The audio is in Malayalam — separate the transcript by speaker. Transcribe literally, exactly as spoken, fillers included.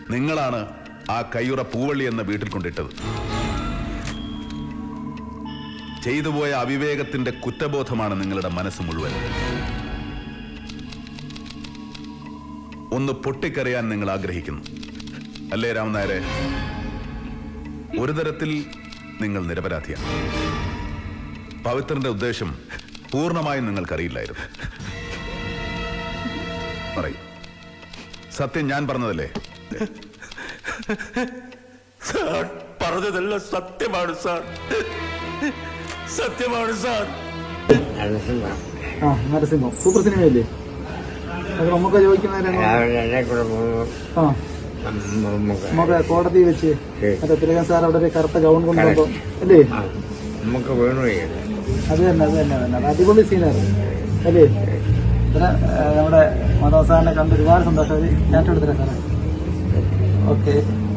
Speaker 1: നിങ്ങളാണ് ആ കയ്യുറ പൂവള്ളി എന്ന വീട്ടിൽ കൊണ്ടിട്ടത്. ചെയ്തുപോയ അവിവേകത്തിന്റെ കുറ്റബോധമാണ് നിങ്ങളുടെ മനസ്സ് മുഴുവൻ. ഒന്ന് പൊട്ടിക്കരയാൻ നിങ്ങൾ ആഗ്രഹിക്കുന്നു അല്ലേ രാമനായരെ? ഒരു തരത്തിൽ നിങ്ങൾ നിരപരാധിയാണ്. പവിത്രന്റെ ഉദ്ദേശം പൂർണ്ണമായും നിങ്ങൾക്കറിയില്ലായിരുന്നു. പറയൂ, സത്യം ഞാൻ പറഞ്ഞതല്ലേ?
Speaker 2: സാർ പറഞ്ഞതെല്ലാം സത്യമാണ് സാർ, സത്യമാണ് സാർ.
Speaker 3: ആ നരസിംഹം സൂപ്പർ സിനിമയല്ലേ? അത് നമുക്ക് ചോദിക്കുന്ന നമുക്ക് കോടതി വെച്ച് മറ്റേ തിലകൻ സാർ അവിടെ ഒരു കറുത്ത ഗൗൺ കൊണ്ടുവന്നോ അല്ലേ?
Speaker 2: നമുക്ക് വേണു
Speaker 3: അത് തന്നെ അത് തന്നെ തന്നെ അടിപൊളി സീനായിരുന്നു അല്ലേ? പിന്നെ നമ്മുടെ മാധവ സാറിനെ കണ്ട് ഒരുപാട് സന്തോഷം. ഒരു ചാറ്റ് എടുത്തില്ല സാറേ. ഓക്കെ.